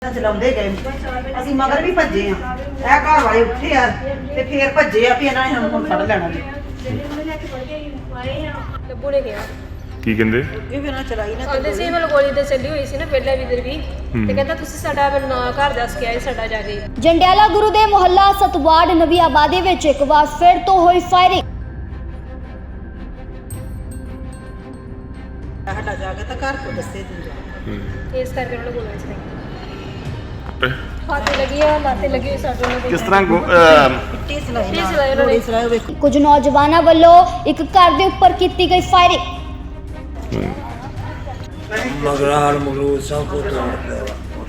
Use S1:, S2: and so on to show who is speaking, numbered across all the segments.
S1: ਚਲਾਉਂਦੇ ਗਏ ਅਸੀਂ ਮਗਰ ਵੀ ਭੱਜੇ ਆ। ਇਹ ਘਰ ਵਾਲੇ ਉੱਠੇ ਆ ਤੇ ਫੇਰ ਭੱਜੇ ਆ ਵੀ ਇਹਨਾਂ ਨੇ ਹੁਣ ਫੜ ਲੈਣਾ ਜੀ।
S2: ਲੱਭੂ ਨੇ ਕਿਹਾ
S3: ਕੀ ਕਹਿੰਦੇ
S1: ਇਹ ਵੀ ਨਾ ਚਲਾਈ ਨਾ
S2: ਕਹਿੰਦੇ ਸੀ ਮਤਲਬ ਗੋਲੀ ਤੇ ਚੱਲੀ ਹੋਈ ਸੀ ਨਾ ਪਹਿਲਾਂ ਵੀ ਇਧਰ ਵੀ ਤੇ ਕਹਿੰਦਾ ਤੁਸੀਂ ਸਾਡਾ ਨਾ ਘਰ ਦੱਸ ਕੇ ਆਏ ਸਾਡਾ ਜਾ ਕੇ।
S4: ਜੰਡਿਆਲਾ ਗੁਰੂ ਦੇ ਮੁਹੱਲਾ ਸਤਵਾੜ ਨਵੀਂ ਆਬਾਦੀ ਵਿੱਚ ਇੱਕ ਵਾਰ ਫਿਰ ਤੋਂ ਹੋਈ ਫਾਇਰਿੰਗ।
S1: ਸਾਡਾ ਜਾ ਕੇ ਤਾਂ ਘਰ ਤੋਂ ਦੱਸੇ ਤੂੰ ਜਾ
S2: ਇਸ ਕਰਕੇ ਉਹਨਾਂ ਨੂੰ ਗੋਲੀ ਚਲਾਈ ਹੱਥ ਲੱਗੀ ਆ ਲਾਤੇ ਲੱਗੀ ਸਾਡੇ ਉਹਨਾਂ ਦੇ
S3: ਕਿਸ ਤਰ੍ਹਾਂ
S1: ਪਿੱਟੀ ਸਲਾਈ
S2: ਪਿੱਟੀ ਸਲਾਈ ਉਹਨਾਂ ਨੇ।
S1: ਗੋਲੀ ਸਲਾਈ ਵੇਖੋ
S4: ਕੁਝ ਨੌਜਵਾਨਾਂ ਵੱਲੋਂ ਇੱਕ ਘਰ ਦੇ ਉੱਪਰ ਕੀਤੀ ਗਈ ਫਾਇਰਿੰਗ।
S5: ਮਗਰਾਰ ਮਗਰੂਰ ਸਭ ਕੁਝ ਤੋੜ ਪਿਆ।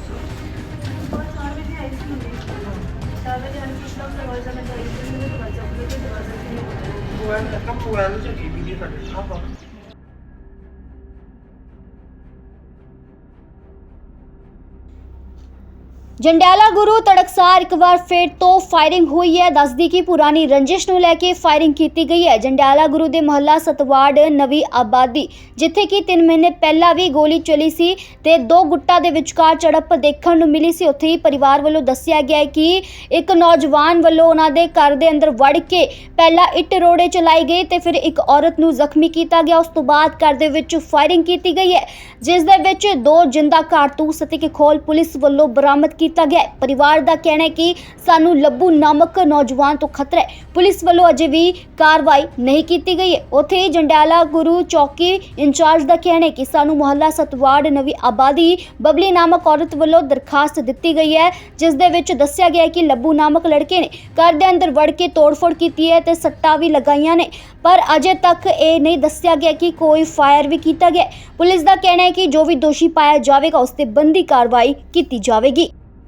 S4: ਜੰਡਿਆਲਾ ਗੁਰੂ ਤੜਕਸਾਰ ਇੱਕ ਵਾਰ ਫਿਰ ਤੋਂ ਫਾਇਰਿੰਗ ਹੋਈ ਹੈ। ਦੱਸਦੀ ਕਿ ਪੁਰਾਣੀ ਰੰਜਿਸ਼ ਨੂੰ ਲੈ ਕੇ ਫਾਇਰਿੰਗ ਕੀਤੀ ਗਈ ਹੈ। ਜੰਡਿਆਲਾ ਗੁਰੂ ਦੇ ਮੁਹੱਲਾ ਸਤਵਾੜ ਨਵੀਂ ਆਬਾਦੀ ਜਿੱਥੇ ਕਿ 3 ਮਹੀਨੇ ਪਹਿਲਾਂ ਵੀ ਗੋਲੀ ਚੱਲੀ ਸੀ ਤੇ ਦੋ ਗੁੱਟਾਂ ਦੇ ਵਿਚਕਾਰ ਝੜਪ ਦੇਖਣ ਨੂੰ ਮਿਲੀ ਸੀ। ਉੱਥੇ ਹੀ ਪਰਿਵਾਰ ਵੱਲੋਂ ਦੱਸਿਆ ਗਿਆ ਹੈ ਕਿ ਇੱਕ ਨੌਜਵਾਨ ਵੱਲੋਂ ਉਹਨਾਂ ਦੇ ਘਰ ਦੇ ਅੰਦਰ ਵੜ ਕੇ ਪਹਿਲਾਂ ਇੱਟ ਰੋੜੇ ਚਲਾਈ ਗਈ ਤੇ ਫਿਰ ਇੱਕ ਔਰਤ ਨੂੰ ਜ਼ਖਮੀ ਕੀਤਾ ਗਿਆ। ਉਸ ਤੋਂ ਬਾਅਦ ਘਰ ਦੇ ਵਿੱਚ ਫਾਇਰਿੰਗ ਕੀਤੀ ਗਈ ਹੈ ਜਿਸ ਦੇ ਵਿੱਚ 2 ਜਿੰਦਾ ਕਾਰਤੂਸ ਅਤੇ ਇੱਕ ਖੋਲ ਪੁਲਿਸ ਵੱਲੋਂ ਬਰਾਮਦ ਕੀਤਾ ਗਿਆ। ਪਰਿਵਾਰ ਦਾ ਕਹਿਣਾ ਹੈ ਕਿ ਸਾਨੂੰ ਲੱਭੂ ਨਾਮਕ ਨੌਜਵਾਨ ਤੋਂ ਖਤਰਾ ਹੈ। ਪੁਲਿਸ ਵੱਲੋਂ ਅਜੇ ਵੀ ਕਾਰਵਾਈ ਨਹੀਂ ਕੀਤੀ ਗਈ ਹੈ। ਉੱਥੇ ਹੀ ਜੰਡਿਆਲਾ ਗੁਰੂ ਚੌਕੀ ਇੰਚਾਰਜ ਦਾ ਕਹਿਣਾ ਹੈ ਕਿ ਸਾਨੂੰ ਮੁਹੱਲਾ ਸਤਵਾੜ ਨਵੀਂ ਆਬਾਦੀ ਬਬਲੀ ਨਾਮਕ ਔਰਤ ਵੱਲੋਂ ਦਰਖਾਸਤ ਦਿੱਤੀ ਗਈ ਹੈ ਜਿਸ ਦੇ ਵਿੱਚ ਦੱਸਿਆ ਗਿਆ ਹੈ ਕਿ ਲੱਭੂ ਨਾਮਕ ਲੜਕੇ ਨੇ ਘਰ ਦੇ ਅੰਦਰ ਵੜ ਕੇ ਤੋੜਫੋੜ ਕੀਤੀ ਹੈ ਤੇ ਸੱਟਾਂ ਵੀ ਲਗਾਈਆਂ ਨੇ ਪਰ ਅਜੇ ਤੱਕ ਇਹ ਨਹੀਂ ਦੱਸਿਆ ਗਿਆ ਕਿ ਕੋਈ ਫਾਇਰ ਵੀ ਕੀਤਾ ਗਿਆ। ਪੁਲਿਸ ਦਾ ਕਹਿਣਾ ਹੈ ਕਿ ਜੋ ਵੀ ਦੋਸ਼ੀ ਪਾਇਆ ਜਾਵੇਗਾ ਉਸ ਤੇ ਬਣਦੀ ਕਾਰਵਾਈ ਕੀਤੀ ਜਾਵੇਗੀ।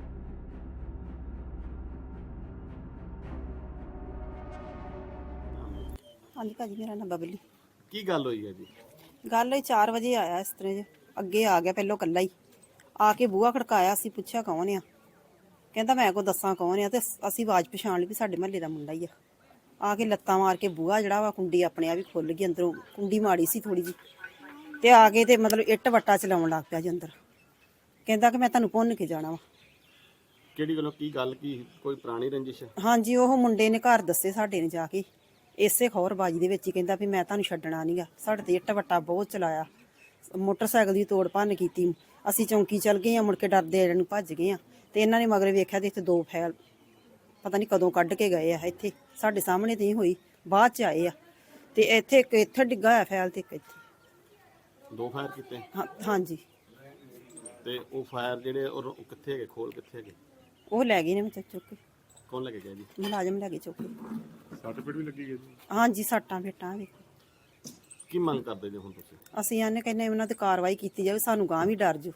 S1: ਹਾਂਜੀ ਭਾਜੀ ਮੇਰਾ ਨਾਮ ਬਬਲੀ।
S3: ਕੀ ਗੱਲ ਹੋਈ ਹੈ ਜੀ?
S1: ਗੱਲ ਇਹ 4 ਵਜੇ ਆਇਆ ਇਸ ਤਰ੍ਹਾਂ ਜੇ ਅੱਗੇ ਆ ਗਿਆ ਪਹਿਲੋਂ ਕੱਲਾ ਹੀ ਆ ਕੇ ਬੂਹਾ ਖੜਕਾਇਆ। ਅਸੀਂ ਪੁੱਛਿਆ ਕੌਣ ਆ, ਕਹਿੰਦਾ ਮੈਂ ਕੋ ਦੱਸਾਂ ਕੌਣ ਆ ਤੇ ਅਸੀਂ ਆਵਾਜ਼ ਪਛਾਣ ਲਈ ਵੀ ਸਾਡੇ ਮਹੱਲੇ ਦਾ ਮੁੰਡਾ ਹੀ ਆ ਕੇ ਲੱਤਾਂ ਮਾਰ ਕੇ ਬੂਹਾ ਜਿਹੜਾ ਵਾ ਕੁੰਡੀ ਆਪਣੇ ਆ ਵੀ ਖੁੱਲ ਗਈ। ਅੰਦਰੋਂ ਕੁੰਡੀ ਮਾੜੀ ਸੀ ਥੋੜੀ ਜੀ ਤੇ ਆ ਕੇ ਤੇ ਮਤਲਬ ਇੱਟ ਵੱਟਾ ਚਲਾਉਣ ਲੱਗ ਪਿਆ ਜੀ ਅੰਦਰ। ਕਹਿੰਦਾ ਕਿ ਮੈਂ ਤੁਹਾਨੂੰ ਭੁੰਨ ਕੇ ਜਾਣਾ ਵਾ।
S3: ਕਿਹੜੀ ਗੱਲੋਂ ਕੀ ਗੱਲ ਕੀ ਕੋਈ ਪੁਰਾਣੀ ਰੰਜਿਸ਼ ਹੈ?
S1: ਹਾਂਜੀ ਉਹ ਮੁੰਡੇ ਨੇ ਘਰ ਦੱਸੇ ਸਾਡੇ ਨੇ ਜਾ ਕੇ ਇਸੇ ਖੌਰਬਾਜੀ ਦੇ ਵਿੱਚ ਹੀ ਕਹਿੰਦਾ ਵੀ ਮੈਂ ਤੁਹਾਨੂੰ ਛੱਡਣਾ ਨਹੀਂਗਾ। ਸਾਡੇ ਤੇ ਇੱਟ ਵੱਟਾ ਬਹੁਤ ਚਲਾਇਆ, ਮੋਟਰਸਾਈਕਲ ਦੀ ਤੋੜ ਭੰਨ ਕੀਤੀ। ਅਸੀਂ ਚੌਂਕੀ ਚਲ ਗਏ ਆ, ਮੁੜ ਕੇ ਡਰਦੇ ਇਹਨਾਂ ਨੂੰ ਭੱਜ ਗਏ ਆ ਤੇ ਇਹਨਾਂ ਨੇ ਮਗਰ ਵੇਖਿਆ ਤੇ ਇੱਥੇ 2 ਫੈਲ ਪਤਾ ਨਹੀਂ ਕਦੋਂ ਕੱਢ ਕੇ ਗਏ ਆ। ਇੱਥੇ ਸਾਡੇ ਸਾਹਮਣੇ ਤੇ ਹੀ ਹੋਈ, ਬਾਅਦ ਚ ਆਏ ਆ ਤੇ ਇੱਥੇ ਇੱਕ ਇੱਥੇ ਡਿੱਗਾ ਹੋਇਆ ਫੈਲ ਤੇ ਇੱਕ ਇੱਥੇ
S3: 2 ਫਾਇਰ ਕੀਤੇ?
S1: ਹਾਂਜੀ।
S3: ਤੇ ਉਹ ਫਾਇਰ ਜਿਹੜੇ ਉਹ ਕਿੱਥੇ ਹੈਗੇ, ਖੋਲ ਕਿੱਥੇ ਹੈਗੇ?
S1: ਉਹ ਲੈ ਗਏ ਨੇ ਮੈਂ ਚੁੱਕ ਕੇ।
S3: ਕੌਣ ਲੈ ਕੇ ਗਿਆ ਜੀ?
S1: ਮੁਲਾਜ਼ਮ ਲੈ ਕੇ ਚੁੱਕ ਕੇ।
S3: ਸੱਟ ਪੇਟ ਵੀ ਲੱਗੀ ਗਈ ਜੀ?
S1: ਹਾਂਜੀ ਸੱਟਾਂ ਫੇਟਾਂ ਵੇਖੋ।
S3: ਕੀ ਮੰਗ ਕਰਦੇ ਜੀ ਹੁਣ ਤੁਸੀਂ?
S1: ਅਸੀਂ ਆਨੇ ਕਹਿੰਦੇ ਉਹਨਾਂ ਤੇ ਕਾਰਵਾਈ ਕੀਤੀ ਜਾਵੇ, ਸਾਨੂੰ ਗਾਂ ਵੀ ਡਰ ਜੋ।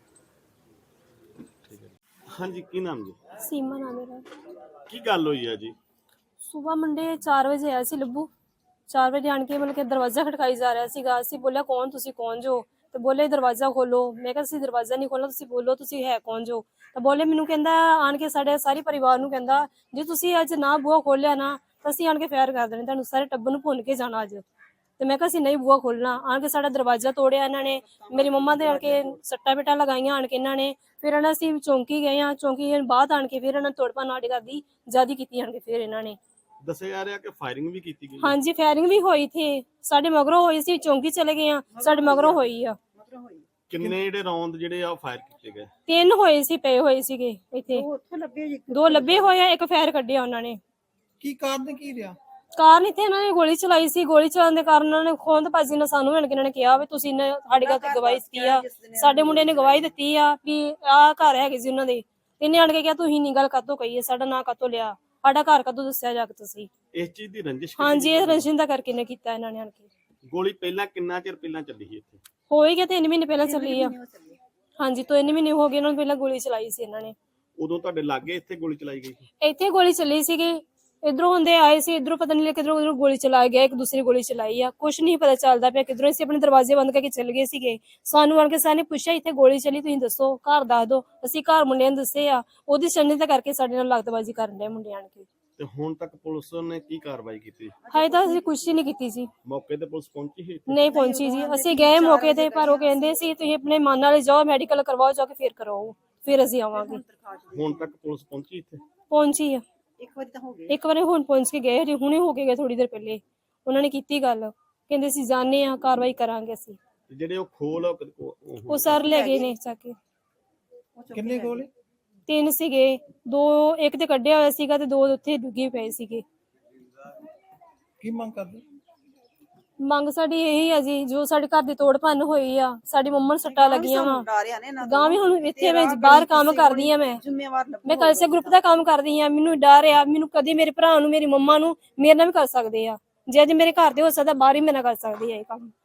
S3: ਠੀਕ ਹੈ। ਹਾਂਜੀ ਕੀ ਨਾਮ ਜੀ?
S2: ਸੀਮਾ ਨਾਮ ਮੇਰਾ।
S3: ਕੀ ਗੱਲ ਹੋਈ ਹੈ ਜੀ?
S2: ਸਵੇਰ ਮੰਡੇ 4 ਵਜੇ ਆਇਆ ਸੀ ਲੱਭੂ। 4 ਵਜੇ ਆਣ ਕੇ ਮਤਲਬ ਕਿ ਦਰਵਾਜ਼ਾ ਖੜਕਾਈ ਜਾ ਰਿਹਾ ਸੀਗਾ। ਅਸੀਂ ਬੋਲਿਆ ਕੌਣ ਤੁਸੀਂ ਕੌਣ ਜੋ? ਤੇ ਬੋਲੇ ਦਰਵਾਜ਼ਾ ਖੋਲੋ। ਮੈਂ ਕਿਹਾ ਅਸੀਂ ਦਰਵਾਜ਼ਾ ਨਹੀਂ ਖੋਲਣਾ, ਤੁਸੀਂ ਬੋਲੋ ਤੁਸੀਂ ਹੈ ਕੌਣ ਜੋ? ਤਾਂ ਬੋਲੇ ਮੈਨੂੰ ਕਹਿੰਦਾ ਆਣ ਕੇ ਸਾਡੇ ਸਾਰੇ ਪਰਿਵਾਰ ਨੂੰ ਕਹਿੰਦਾ ਜੇ ਤੁਸੀਂ ਅੱਜ ਨਾ ਬੂਹਾ ਖੋਲਿਆ ਨਾ ਤਾਂ ਅਸੀਂ ਆਣ ਕੇ ਫਾਇਰ ਕਰ ਦੇਣੇ, ਤੁਹਾਨੂੰ ਸਾਰੇ ਟੱਬਰ ਨੂੰ ਭੁੰਨ ਕੇ ਜਾਣਾ ਅੱਜ। ਤੇ ਮੈਂ ਕਿਹਾ ਅਸੀਂ ਨਹੀਂ ਬੂਹਾ ਖੋਲਣਾ। ਆਣ ਕੇ ਸਾਡਾ ਦਰਵਾਜ਼ਾ ਤੋੜਿਆ ਇਹਨਾਂ ਨੇ, ਮੇਰੀ ਮੰਮਾ ਦੇ ਆਣ ਕੇ ਸੱਟਾਂ ਪੇਟਾਂ ਲਗਾਈਆਂ ਆਣ ਕੇ ਇਹਨਾਂ ਨੇ। ਫਿਰ ਇਹਨਾਂ ਅਸੀਂ ਚੌਂਕੀ ਗਏ ਆ, ਚੌਂਕੀ ਬਾਅਦ ਆਣ ਕੇ ਫਿਰ ਇਹਨਾਂ ਤੋੜ ਭੰਨ ਸਾਡੇ ਘਰ ਦੀ ਜ਼ਿਆਦੀ ਕੀਤੀ ਆਣ ਕੇ ਫਿਰ ਇਹਨਾਂ ਨੇ।
S3: ਦੱਸਿਆ ਜਾ ਰਿਹਾ ਕਿ ਫਾਇਰਿੰਗ ਵੀ ਕੀਤੀ ਗਈ?
S2: ਹਾਂਜੀ ਫਾਇਰਿੰਗ ਵੀ ਹੋਈ ਥੀ, ਸਾਡੇ ਮਗਰੋਂ ਹੋਈ ਸੀ। ਚੌਂਕੀ ਚਲੇ ਗਏ ਆ, ਸਾਡੇ ਮਗਰੋਂ ਹੋਈ ਆ।
S3: ਕਿੰਨੇ ਜਿਹੜੇ ਰੌਂਦ ਜਿਹੜੇ ਆ ਫਾਇਰ ਕੀਤੇ ਗਏ?
S2: 3 ਹੋਏ ਸੀ, ਪਏ ਹੋਏ ਸੀਗੇ ਇੱਥੇ।
S1: ਉੱਥੋਂ ਲੱਭੇ ਜੀ
S2: 2 ਲੱਭੇ ਹੋਏ ਆ, ਇੱਕ ਫਾਇਰ ਕੱਢਿਆ ਉਹਨਾਂ ਨੇ।
S1: ਕੀ ਕਾਰਨ ਕੀ ਰਿਹਾ?
S2: ਕਾਰਨ ਇੱਥੇ ਇਹਨਾਂ ਨੇ ਗੋਲੀ ਚਲਾਈ ਸੀ। ਗੋਲੀ ਚਲਾਉਣ ਦੇ ਕਾਰਨ ਉਹਨਾਂ ਨੇ ਖੋਂਦ ਭਾਜੀ ਨੇ ਸਾਨੂੰ ਮਿਲ ਕੇ ਇਹਨਾਂ ਨੇ ਕਿਹਾ ਵੀ ਤੁਸੀਂ ਸਾਡੇ ਘਰ ਤੇ ਗਵਾਹੀ ਦਿੱਤੀ ਆ, ਸਾਡੇ ਮੁੰਡੇ ਨੇ ਗਵਾਹੀ ਦਿੱਤੀ ਆ ਵੀ ਆਹ ਘਰ ਹੈਗੇ ਸੀ ਉਹਨਾਂ ਦੇ। ਇਹਨੇ ਆਣ ਕੇ ਕਿਹਾ ਤੁਸੀਂ ਨਹੀਂ ਗੱਲ ਕਾਤੋਂ ਕਹੀ ਹੈ, ਸਾਡਾ ਨਾਂ ਕਾਤੋਂ ਲਿਆ, ਸਾਡਾ ਘਰ ਕਾਤੋਂ ਦੱਸਿਆ ਜਾ ਕੇ ਤੁਸੀਂ?
S3: ਇਸ ਚੀਜ਼ ਦੀ ਰੰਜਿਸ਼?
S2: ਹਾਂਜੀ ਇਹ ਰੰਜਿਸ਼ ਕਰਕੇ ਨੇ ਕੀਤਾ ਇਹਨਾਂ ਨੇ ਆਣ ਕੇ।
S3: ਗੋਲੀ ਪਹਿਲਾਂ ਕਿੰਨਾ ਚਿਰ ਪਹਿਲਾਂ ਚੱਲੀ ਸੀ ਇੱਥੇ?
S2: ਹੋ ਹੀ ਗਿਆ 3 ਮਹੀਨੇ ਪਹਿਲਾਂ ਚੱਲੀ ਆ। ਹਾਂਜੀ 3 ਮਹੀਨੇ ਹੋ ਗਏ ਉਹਨਾਂ ਨੂੰ ਪਹਿਲਾਂ ਗੋਲੀ ਚਲਾਈ ਸੀ ਇਹਨਾਂ ਨੇ।
S3: ਉਦੋਂ ਤੁਹਾਡੇ ਲਾਗੇ ਇੱਥੇ ਗੋਲੀ ਚਲਾਈ ਗਈ ਸੀ?
S2: ਇੱਥੇ ਗੋਲੀ ਚੱਲੀ ਸੀਗੀ, ਇਧਰੋਂ ਹੁੰਦੇ ਆਏ ਸੀ, ਇਧਰੋਂ ਪਤਾ ਨਹੀਂ ਕਿਧਰੋਂ ਉਧਰੋਂ ਗੋਲੀ ਚਲਾ ਗਿਆ, ਇੱਕ ਦੂਸਰੀ ਗੋਲੀ ਚਲਾਈ ਆ। ਕੁਛ ਨਹੀਂ ਪਤਾ ਚੱਲਦਾ ਪਿਆ ਕਿਧਰੋਂ। ਅਸੀਂ ਆਪਣੇ ਦਰਵਾਜ਼ੇ ਬੰਦ ਕਰਕੇ ਚੱਲ ਗਏ ਸੀਗੇ। ਸਾਨੂੰ ਆਣ ਕੇ ਸਾਨੇ ਪੁੱਛਿਆ ਇੱਥੇ ਗੋਲੀ ਚੱਲੀ, ਤੁਸੀਂ ਦੱਸੋ, ਘਰ ਦੱਸ ਦਿਓ। ਅਸੀਂ ਘਰ ਮੁੰਡਿਆਂ ਨੂੰ ਦੱਸੇ ਆ, ਉਹਦੀ ਛੰਨੀ ਤਾਂ ਕਰਕੇ ਸਾਡੇ ਨਾਲ ਲਗਤਬਾਜ਼ੀ ਕਰਨ ਦੇ ਮੁੰਡਿਆਂ ਆਣ ਕੇ।
S3: ਤੇ ਹੁਣ ਤੱਕ ਪੁਲਿਸ ਨੇ ਕੀ ਕਾਰਵਾਈ ਕੀਤੀ?
S2: ਹਾਏ ਤਾਂ ਅਸੀਂ ਕੁਛ ਹੀ ਨਹੀਂ ਕੀਤੀ ਸੀ।
S3: ਮੌਕੇ ਤੇ ਪੁਲਿਸ ਪਹੁੰਚੀ ਸੀ?
S2: ਨਹੀਂ ਪਹੁੰਚੀ ਜੀ। ਅਸੀਂ ਗਏ ਮੌਕੇ ਤੇ ਪਰ ਉਹ ਕਹਿੰਦੇ ਸੀ ਤੁਸੀਂ ਆਪਣੇ ਮਨ ਨਾਲ ਜਾਓ, ਮੈਡੀਕਲ ਕਰਵਾਓ ਜਾ ਕੇ ਫੇਰ ਕਰਾਓ। ਫਿਰ ਅਸੀਂ ਆਵਾਂਗੇ।
S3: ਹੁਣ ਤੱਕ ਪੁਲਿਸ ਪਹੁੰਚੀ ਇੱਥੇ?
S2: ਪਹੁੰਚੀ ਆ,
S1: ਇੱਕ ਵਾਰੀ ਤਾਂ ਹੋ ਗਈ।
S2: ਇੱਕ ਵਾਰੀ ਹੁਣ ਪਹੁੰਚ ਕੇ ਗਏ, ਹਜੇ ਹੁਣੇ ਹੋ ਕੇ ਗਏ ਥੋੜੀ ਦੇਰ ਪਹਿਲੇ। ਉਹਨਾਂ ਨੇ ਕੀਤੀ ਗੱਲ, ਕਹਿੰਦੇ ਅਸੀਂ ਜਾਣੇ ਆ, ਕਾਰਵਾਈ ਕਰਾਂਗੇ ਅਸੀਂ।
S3: ਤੇ ਜਿਹੜੇ ਉਹ ਖੋਲ
S2: ਉਹ ਸਰ ਲੈ ਗਏ ਨੇ ਚੱਕ ਕੇ।
S3: ਕਿੰਨੇ ਖੋਲ?
S2: 3 ਸੀਗੇ, 2 ਇੱਕ ਤੇ ਕੱਢਿਆ ਹੋਇਆ ਸੀਗਾ ਤੇ 2 ਉੱਥੇ ਡੁੱਗੇ ਪਏ ਸੀਗੇ।
S3: ਕੀ ਮੰਗ ਕਰਦੇ?
S2: ਮੰਗ ਸਾਡੀ ਇਹੀ ਆ ਜੀ, ਜੋ ਸਾਡੇ ਘਰ ਦੀ ਤੋੜ ਭੰਨ ਹੋਈ ਆ, ਸਾਡੀ ਮੰਮਾ ਨੂੰ ਸੱਟਾਂ ਲੱਗੀਆਂ ਵਾ। ਗਾਂ ਵੀ ਹੁਣ ਇੱਥੇ ਮੈਂ ਬਾਹਰ ਕੰਮ ਕਰਦੀ ਆ, ਮੈਂ ਕਲਸੇ ਗਰੁੱਪ ਦਾ ਕੰਮ ਕਰਦੀ ਆ। ਮੈਨੂੰ ਡਰ ਆ, ਮੈਨੂੰ ਕਦੇ ਮੇਰੇ ਭਰਾ ਨੂੰ, ਮੇਰੀ ਮੰਮਾ ਨੂੰ ਮੇਰੇ ਨਾਲ ਵੀ ਕਰ ਸਕਦੇ ਆ। ਜੇ ਅੱਜ ਮੇਰੇ ਘਰ ਦੇ ਹੋ ਸਕਦਾ, ਬਾਹਰ ਹੀ ਮੇਰੇ ਨਾਲ ਕਰ ਸਕਦੇ ਆ ਇਹ ਕੰਮ।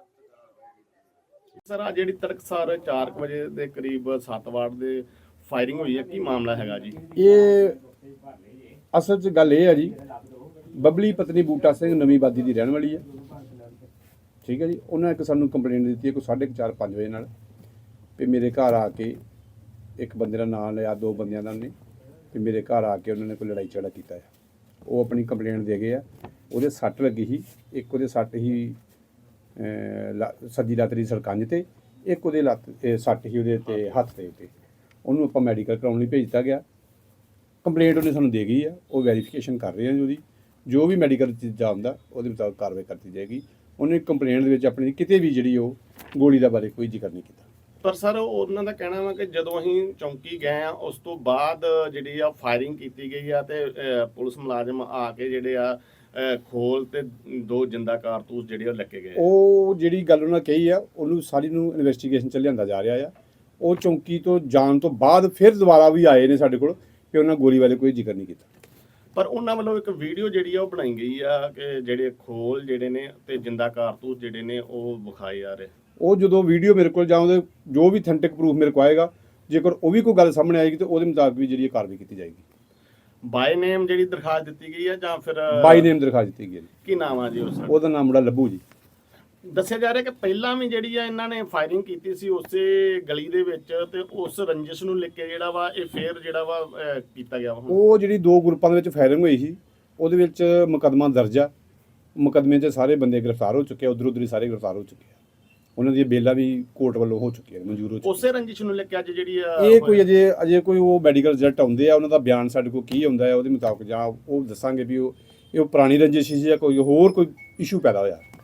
S3: ਸਰ ਆ ਜਿਹੜੀ ਤੜਕਸਾਰ 4 ਵਜੇ ਦੇ ਕਰੀਬ 7 ਵਾਰਡ ਦੇ ਫਾਇਰਿੰਗ ਹੋਈ ਹੈ, ਕੀ ਮਾਮਲਾ ਹੈਗਾ ਜੀ?
S6: ਇਹ ਅਸਲ 'ਚ ਗੱਲ ਇਹ ਹੈ ਜੀ, ਬਬਲੀ ਪਤਨੀ ਬੂਟਾ ਸਿੰਘ ਨਵੀਂ ਆਬਾਦੀ ਦੀ ਰਹਿਣ ਵਾਲੀ ਹੈ, ਠੀਕ ਹੈ ਜੀ। ਉਹਨਾਂ ਇੱਕ ਸਾਨੂੰ ਕੰਪਲੇਂਟ ਦਿੱਤੀ ਹੈ ਕੋਈ 4:30-5 ਵਜੇ ਨਾਲ ਵੀ ਮੇਰੇ ਘਰ ਆ ਕੇ ਇੱਕ ਬੰਦੇ ਦਾ ਨਾਂ ਲਿਆ, 2 ਬੰਦਿਆਂ ਦਾ ਉਹਨੇ, ਤੇ ਮੇਰੇ ਘਰ ਆ ਕੇ ਉਹਨਾਂ ਨੇ ਕੋਈ ਲੜਾਈ ਝਗੜਾ ਕੀਤਾ ਹੈ। ਉਹ ਆਪਣੀ ਕੰਪਲੇਂਟ ਦੇ ਗਏ ਆ। ਉਹਦੇ ਸੱਟ ਲੱਗੀ ਸੀ, ਇੱਕ ਉਹਦੇ ਸੱਟ ਹੀ ਸੱਜੀ ਲੱਤ ਦੀ ਸਰਕੰਜ ਤੇ, ਇੱਕ ਉਹਦੇ ਸੱਟ ਹੀ ਉਹਦੇ ਤੇ ਹੱਥ ਦੇ ਉੱਤੇ। ਉਹਨੂੰ ਆਪਾਂ ਮੈਡੀਕਲ ਕਰਾਉਣ ਲਈ ਭੇਜਤਾ ਗਿਆ। ਕੰਪਲੇਂਟ ਉਹਨੇ ਸਾਨੂੰ ਦੇ ਗਈ ਆ, ਉਹ ਵੈਰੀਫਿਕੇਸ਼ਨ ਕਰ ਰਹੇ ਆ। ਉਹਦੀ ਜੋ ਵੀ ਮੈਡੀਕਲ ਚੀਜ਼ਾਂ ਆਉਂਦਾ ਉਹਦੇ ਮੁਤਾਬਕ ਕਾਰਵਾਈ ਕਰਤੀ ਜਾਏਗੀ। ਉਹਨੇ ਕੰਪਲੇਂਟ ਦੇ ਵਿੱਚ ਆਪਣੀ ਕਿਤੇ ਵੀ ਜਿਹੜੀ ਉਹ ਗੋਲੀ ਦਾ ਬਾਰੇ ਕੋਈ ਜ਼ਿਕਰ ਨਹੀਂ ਕੀਤਾ।
S3: ਪਰ ਸਰ ਉਹਨਾਂ ਦਾ ਕਹਿਣਾ ਵਾ ਕਿ ਜਦੋਂ ਅਸੀਂ ਚੌਂਕੀ ਗਏ ਆ, ਉਸ ਤੋਂ ਬਾਅਦ ਜਿਹੜੀ ਆ ਫਾਇਰਿੰਗ ਕੀਤੀ ਗਈ ਆ ਤੇ ਪੁਲਿਸ ਮੁਲਾਜ਼ਮ ਆ ਕੇ ਜਿਹੜੇ ਆ ਖੋਲ ਤੇ 2 ਜਿੰਦਾ ਕਾਰਤੂਸ ਜਿਹੜੇ ਉਹ ਲੱਗੇ ਗਏ।
S6: ਉਹ ਜਿਹੜੀ ਗੱਲ ਉਹਨਾਂ ਕਹੀ ਆ, ਉਹਨੂੰ ਸਾਰੀ ਨੂੰ ਇਨਵੈਸਟੀਗੇਸ਼ਨ 'ਚ ਲਿਆਂਦਾ ਜਾ ਰਿਹਾ ਆ। ਉਹ ਚੌਂਕੀ ਤੋਂ ਜਾਣ ਤੋਂ ਬਾਅਦ ਫਿਰ ਦੁਬਾਰਾ ਵੀ ਆਏ ਨੇ ਸਾਡੇ ਕੋਲ ਕਿ ਉਹਨਾਂ ਗੋਲੀ ਬਾਰੇ ਕੋਈ ਜ਼ਿਕਰ ਨਹੀਂ ਕੀਤਾ।
S3: ਪਰ ਉਹਨਾਂ ਵੱਲੋਂ ਇੱਕ ਵੀਡੀਓ ਜਿਹੜੀ ਆ ਉਹ ਬਣਾਈ ਗਈ ਆ ਕਿ ਜਿਹੜੇ ਖੋਲ ਜਿਹੜੇ ਨੇ ਤੇ ਜਿੰਦਾ ਕਾਰਤੂਸ ਜਿਹੜੇ ਨੇ ਉਹ ਵਿਖਾਏ ਜਾ ਰਹੇ।
S6: ਉਹ ਜਦੋਂ ਵੀਡੀਓ ਮੇਰੇ ਕੋਲ ਜਾਂ ਉਹਦੇ ਜੋ ਵੀ ਅਥੈਂਟਿਕ ਪ੍ਰੂਫ ਮੇਰੇ ਕੋਲ ਆਏਗਾ, ਜੇਕਰ ਉਹ ਵੀ ਕੋਈ ਗੱਲ ਸਾਹਮਣੇ ਆਏਗੀ ਤਾਂ ਉਹਦੇ ਮੁਤਾਬਕ ਵੀ ਜਿਹੜੀ ਕਾਰਵਾਈ ਕੀਤੀ ਜਾਏਗੀ।
S3: ਬਾਈ ਨੇਮ ਜਿਹੜੀ ਦਰਖਾਸਤ ਦਿੱਤੀ ਗਈ ਆ ਜਾਂ ਫਿਰ
S6: ਬਾਈ ਨੇਮ ਦਰਖਾਸਤ ਦਿੱਤੀ ਗਈ ਹੈ।
S3: ਕੀ ਨਾਮ ਆ ਜੀ ਉਸ ਦਾ?
S6: ਉਹਦਾ ਨਾਮ ਬੜਾ ਲੱਭੂ ਜੀ।
S3: ਦੱਸਿਆ ਜਾ ਰਿਹਾ ਕਿ ਪਹਿਲਾਂ ਵੀ ਜਿਹੜੀ ਆ ਇਹਨਾਂ ਨੇ ਫਾਇਰਿੰਗ ਕੀਤੀ ਸੀ ਉਸੇ ਗਲੀ ਦੇ ਵਿੱਚ, ਤੇ ਉਸ ਰੰਜਿਸ਼ ਨੂੰ ਲੈ ਕੇ ਜਿਹੜਾ ਵਾ ਇਹ ਫੇਰ ਜਿਹੜਾ ਵਾ ਕੀਤਾ ਗਿਆ ਵਾ।
S6: ਉਹ ਜਿਹੜੀ 2 ਗਰੁੱਪਾਂ ਦੇ ਵਿੱਚ ਫਾਇਰਿੰਗ ਹੋਈ ਸੀ, ਉਹਦੇ ਵਿੱਚ ਮੁਕੱਦਮਾ ਦਰਜ ਆ। ਮੁਕੱਦਮੇ 'ਚ ਸਾਰੇ ਬੰਦੇ ਗ੍ਰਿਫਤਾਰ ਹੋ ਚੁੱਕੇ ਆ, ਉੱਧਰ ਹੀ ਸਾਰੇ ਗ੍ਰਿਫਤਾਰ ਹੋ ਚੁੱਕੇ ਆ। ਉਹਨਾਂ ਦੀਆਂ ਬੇਲਾਂ ਵੀ ਕੋਰਟ ਵੱਲੋਂ ਹੋ ਚੁੱਕੀਆਂ, ਮਨਜ਼ੂਰ ਹੋ ਚੁੱਕੀਆਂ।
S3: ਉਸੇ ਰੰਜਿਸ਼ ਨੂੰ ਲੈ ਕੇ ਅੱਜ ਜਿਹੜੀ ਆ
S6: ਇਹ ਕੋਈ ਅਜੇ ਕੋਈ ਉਹ ਮੈਡੀਕਲ ਰਿਜ਼ਲਟ ਆਉਂਦੇ ਆ, ਉਹਨਾਂ ਦਾ ਬਿਆਨ ਸਾਡੇ ਕੋਲ ਕੀ ਆਉਂਦਾ ਹੈ ਉਹਦੇ ਮੁਤਾਬਕ ਜਾਂ ਉਹ ਦੱਸਾਂਗੇ ਵੀ ਇਹ ਪੁਰਾਣੀ ਰੰਜਿਸ਼ ਸੀ ਜਾਂ ਕੋਈ ਹੋਰ ਕੋਈ ਇਸ਼ੂ ਪੈਦਾ ਹੋਇਆ।